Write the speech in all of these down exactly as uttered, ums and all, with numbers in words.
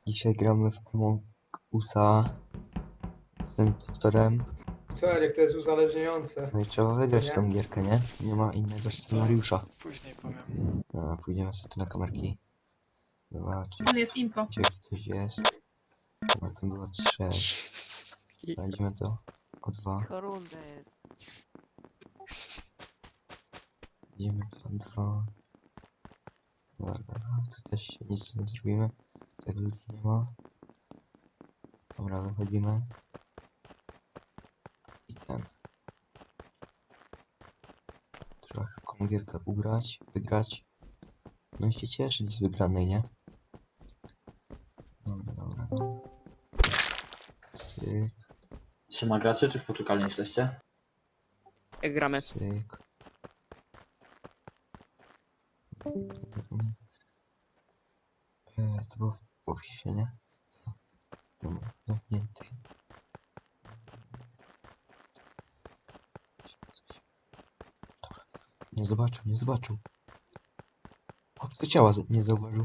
Dzisiaj gramy w Among Usa z tym potworem. Co, Eryk, to jest uzależniające. No i trzeba wygrać Nie? tą gierkę, nie? Nie ma innego scenariusza. Później powiem. No, pójdziemy sobie tu na kamerki. Zobacz, On jest impo. gdzie coś jest. No, tam było trzech. Znajdziemy to o dwa. Korunda jest. Idziemy dwa, dwa. Dobra, tu też się nic nie zrobimy. Tak ludzi nie ma. Dobra, wychodzimy. I ten. Trzeba szybką gierkę ugrać, wygrać. No i się cieszyć z wygranej, nie? Dobra, dobra, dobra. Cyk, Siema gracze, czy w poczekalni jesteście? Jak gramy. cyk. E, to było w oficie, nie? Dobra, zamknięty. Dobra. Nie zobaczył, nie zobaczył. Chłopcy ciała z- nie zauważył.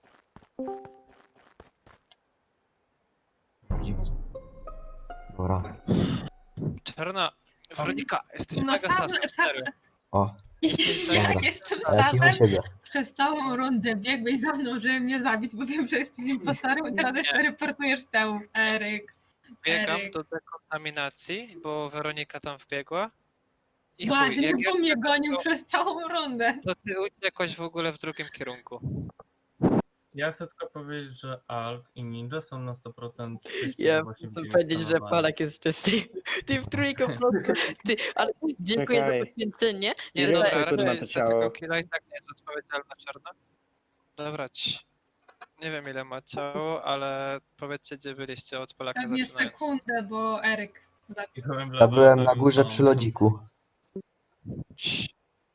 Widzimy. Dobra. Czarna, Weronika, jesteś No mega sam, sasem, sam, serio. O, Jesteś za... jak Dobra. jestem a ja cicho samem, siedzę. przez całą rundę biegłeś za mną, żeby mnie zabić, bo wiem, że jesteś impostorem i teraz jeszcze reportujesz ciało. Eryk. Biegam Eryk. do dekontaminacji, bo Weronika tam wbiegła. I chuj, Właśnie, jak ja, bo mnie gonił to- przez całą rundę. to ty uciekłaś w ogóle w drugim kierunku. Ja chcę tylko powiedzieć, że Alk i Ninja są na sto procent czyści, Ja bo właśnie chcę byli powiedzieć, że skanowani. Polak jest czysty. Ty w trójkę po prostu. Ty, ale dziękuję Czekaj. za poświęcenie. Nie, Ile dobra, sekund na raczej to za ciało? tego killa i tak nie jest odpowiedzialna Czarna. Dobra, ci. Nie wiem ile ma ciało, ale powiedzcie gdzie byliście od Polaka Pewnie zaczynając. sekundę, bo Eryk zabił. I byłem w Ja byłem na laboratorium górze samą przy lodziku. Cii.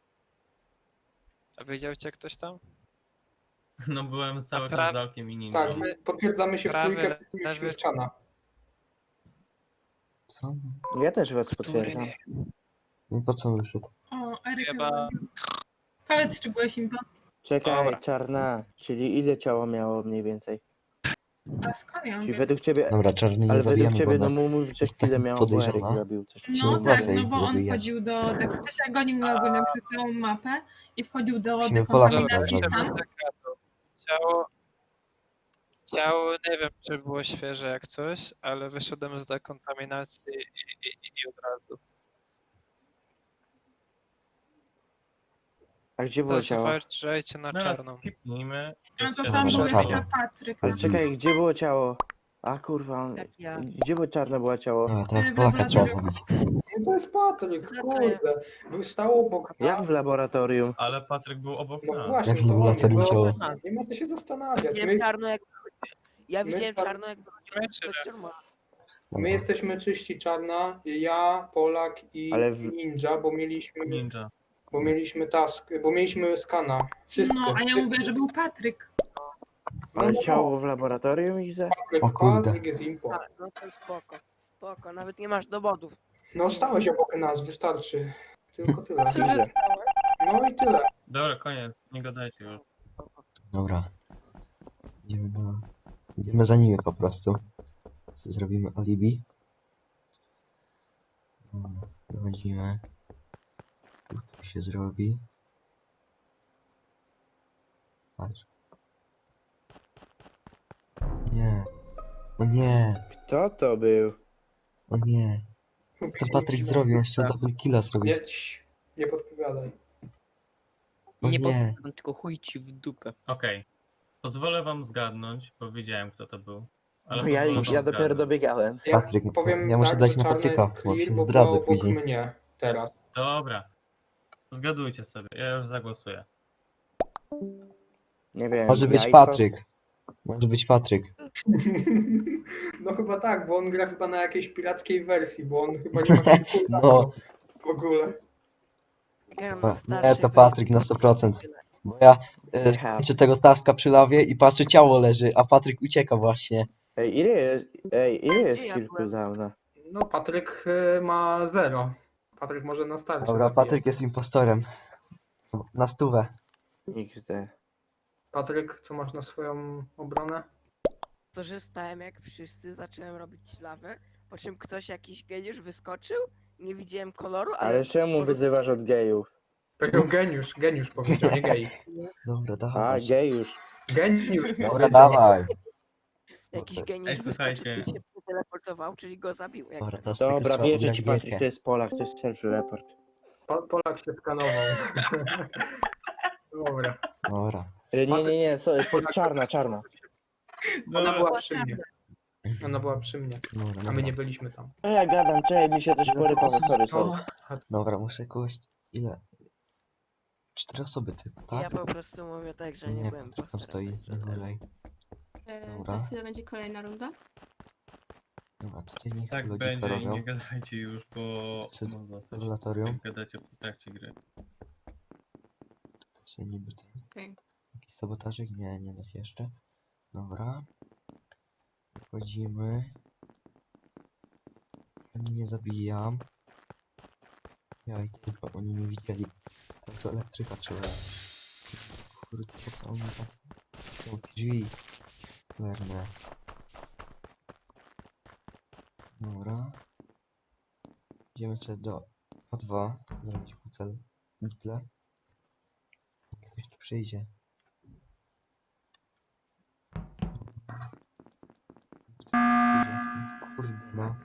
A widział cię ktoś tam? No byłem cały pra- czas z Alkiem i Ninją. Tak, potwierdzamy się w Prawy, trójkę, lewy, mieliśmy skana. Co? Ja też was Który potwierdzam. nie? No po co wyszedł? O, Eryk Chyba- zabił. Powiedz, czy byłeś impo. Czekaj, Dobra. czarna. Czyli ile ciało miało mniej więcej? A skąd ja Czyli wiem? według ciebie. Dobra, czarny nie Ale według zabijamy, ciebie, bo no ona... mów, że jest chwilę tak miało, bo Eryk podejrzana. zrobił coś. Się No tak, włosy no bo on zabijać. wchodził do... Ktoś gonił mnie ogólnie przez całą mapę i wchodził do Musimy Polaka Dobra, teraz dekontaminacji zabić. tam. idźmy dekadu. Ciało... Ciało, nie wiem czy było świeże jak coś, ale wyszedłem z dekontaminacji i, i, i od razu. A gdzie było ciało? Uważajcie na Teraz czarną. skipnijmy. No Jest to siedem tam był Dobra, osób. jeszcze czarno. Patryk. Ale czekaj, gdzie było ciało? A kurwa, on- Jak ja. gdzie było czarne było ciało? Dobra, teraz Ej, Polaka dobra, trzeba dobra. zabić. No to jest Patryk, Za co kurde. Był stał obok Jak w laboratorium? Ale Patryk był obok No nas. właśnie, Jak w to on laboratorium jest, ciało. no, nie ma co się zastanawiać. Widziałem My, czarno jak. Ja my widziałem czar- czarno jak Wiemy, czy nie? wychodził. my jesteśmy czyści czarna, ja, Polak i Ale w- Ninja, bo mieliśmy, Ninja. bo mieliśmy task, bo mieliśmy skana. Wszyscy. No, a ja mówię, że był Patryk. No, Ale no, ciało w laboratorium i za... Patryk, O kurde. Patryk jest impo. A, no to spoko. Spoko, nawet nie masz dowodów. No stałeś obok nas, wystarczy. Tylko tyle. Co się stało? No i tyle. Dobra, koniec. Nie gadajcie już. Dobra. Idziemy do... Idziemy za nimi po prostu. Zrobimy alibi. Dobra, wychodzimy. Tu to się zrobi. Patrz. Nie. O nie. Kto to był? O nie. To Patryk zrobił, on chciał double killa zrobić. Nie, cii, nie podpowiadaj. O Nie nie. podpowiem, tylko chuj ci w dupę. Okej. Pozwolę wam zgadnąć, bo wiedziałem kto to był. Ale No ja, pozwolę wam ja dopiero zgadnąć. dobiegałem. Ja Patryk, to powiem ja muszę tak, dać że na czarna Patryka, jest bo clear, się bo zdradzę było obok później. mnie teraz. Dobra. Zgadujcie sobie, ja już zagłosuję. Nie wiem. Może być jajko? Patryk. Może być Patryk. No chyba tak, bo on gra chyba na jakiejś pirackiej wersji, bo on chyba nie ma kilku No. w ogóle. Gram O, na Nie, starszej to Patryk na sto procent. Bo ja e, Aha. kończę tego taska przy lawie i patrzę, ciało leży, a Patryk ucieka właśnie. Ej, ile jest, ej, ile jest Gdzie ja kill byłem? cooldowna? No Patryk y, ma zero. Patryk może na starcie Dobra, zabijać. Patryk jest impostorem. Na stówę. iks de. Patryk, co masz na swoją obronę? to, że stałem jak wszyscy, zacząłem robić lawę, po czym ktoś, jakiś geniusz wyskoczył, nie widziałem koloru, ale... Ale czemu wyzywasz od gejów? Powiedział geniusz, geniusz powiedział, nie gej. Dobra, A, dawaj. gejusz. Geniusz Dobra, powiedział. dawaj. Jakiś Ej, geniusz wyskoczył słuchajcie. i się teleportował, czyli go zabił. Jak Dobra, teraz Dobra, tylko trzeba wierzę ugrać ci, Patryk, gierkę. to jest Polak, to jest self-report. Po- Polak się skanował. Dobra. Dobra. E, Nie, nie, nie, so, po- czarna, czarna. Ona No, była przy mnie. Ona była przy mnie, Dobra, a my dobra. nie byliśmy tam. No ja gadam, czekaj, mi się coś Ile to porypało, osób sorry, zostało? sorry. Dobra, muszę kogoś... Ile? Cztery osoby tylko, tak? Ja po prostu mówię tak, że nie, Nie, byłem Patryk tam stoi, impostorem, nie także to jest- gulej. E, Dobra. Za chwilę będzie kolejna runda. Dobra, tutaj niech tak logikę będzie i robią. nie gadajcie już, bo Co- no dosyć. Laboratorium. Jak gadacie w trakcie gry. Co niby ten... Okej. Jakiś sabotażyk? Nie, nie da się jeszcze. Dobra. Wchodzimy. Ani nie zabijam. Ja i tylko oni nie widzieli. Tak co elektryka trzeba. Kurde, co oni tam... Są te drzwi. Lerne. Dobra. Idziemy sobie do O dwa. Zrobić butel. Butle. Ktoś tu przyjdzie. Kurde no.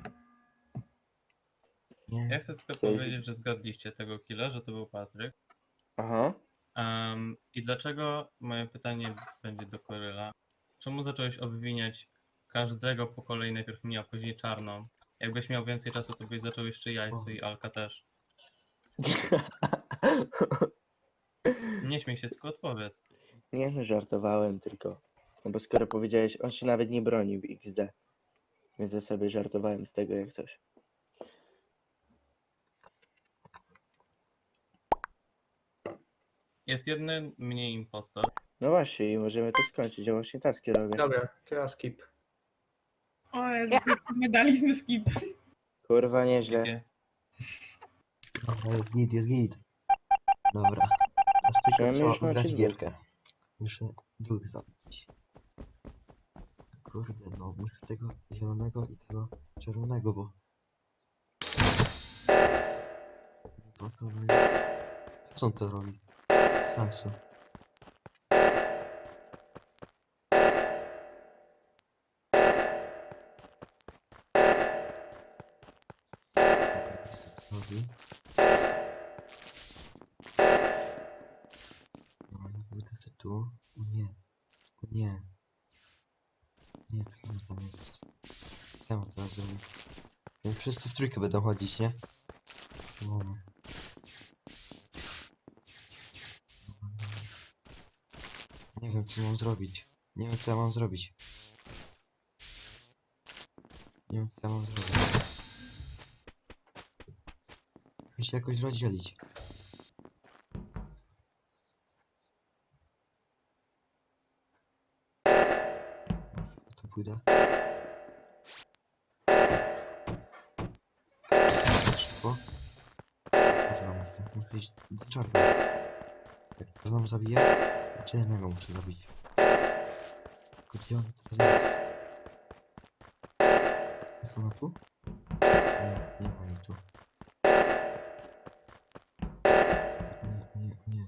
Nie. Ja chcę tylko Cześć. powiedzieć, że zgadliście tego killa, że to był Patryk. Aha. Um, I dlaczego, moje pytanie będzie do Koryla, czemu zacząłeś obwiniać każdego po kolei, najpierw mnie, a później Czarną? Jakbyś miał więcej czasu, to byś zaczął jeszcze Jajsu i Alka też. Nie śmiej się, tylko odpowiedz. Nie no, żartowałem tylko. No bo skoro powiedziałeś, on się nawet nie bronił iks de. Więc ja sobie żartowałem z tego jak coś. Jest jeden mniej impostor. No właśnie, i możemy to skończyć, ja właśnie taski robię. Dobra, teraz skip. O Jezu, my daliśmy skip. Kurwa, nieźle. Takie- Dobra, jest git, jest git. Dobra. Teraz tylko Czemu trzeba już macie ugrać dwóch? gierkę. Muszę dwóch zabić. Kurde no, muszę tego zielonego i tego czerwonego, bo... Bo to no... Co on to robi? Tansu. Robi. No, wylecę tu. O nie. O nie. Nie, tu nie tam jest. Co ja mam teraz zrobić? No, wszyscy w trójkę będą chodzić, nie? No. Nie wiem, co mam zrobić. Nie wiem, co ja mam zrobić. Nie wiem, co ja mam zrobić. Muszę się jakoś rozdzielić. To pójdę. Szybko. Czarna muszę. Muszę iść do czarnej. Jak czarną zabiję, to czarnego muszę zabić. Tylko gdzie on teraz jest? Jest ona tu? Nie, nie ma jej tu. Nie, nie, nie.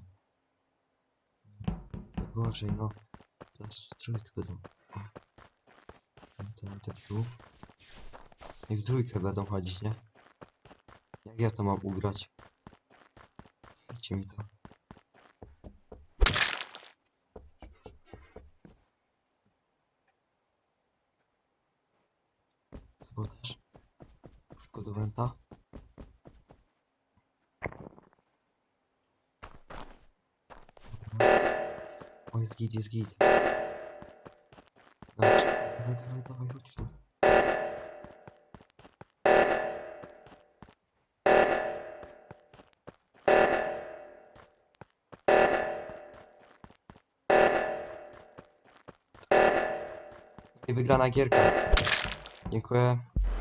Gorzej, no. Teraz w trójkę będą. O. Ten, ten tu. I w trójkę będą chodzić, nie? Jak ja to mam ugrać? Dajcie mi to. Sabotaż. Szybko do wenta. O, jest git, jest git. Dawaj, dawaj, dawaj, dawaj, chodź tu. I wygrana gierka. Dziękuję.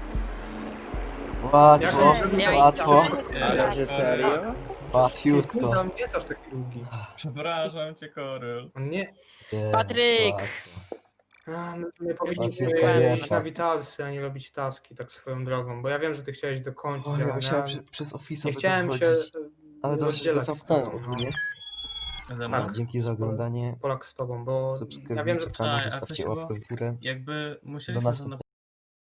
Łatwo, Jak nie łatwo, Ale że serio? łatwiutko. Tam nie jest aż taki długi. Przepraszam cię, Koryl. On nie... Jest, Patryk! łatwo. A, my, my Was powinniśmy jest iść kobieta. na Witalsy, a nie robić taski tak swoją drogą, bo ja wiem, że ty chciałeś dokończyć, O, ale ja musiałem ja przy, przez Office'a nie by chciałem się dochodzić. e, Ale dobrze, że go rozdzielać z zamknąłem tobą, no. ogólnie. Ze A, mną. Tak. dzięki za oglądanie. Polak z tobą, bo ja wiem, Subskrybujcie że kanał, Czekaj, a co zostawcie się łapkę w górę. Jakby Do musieliśmy to następnego.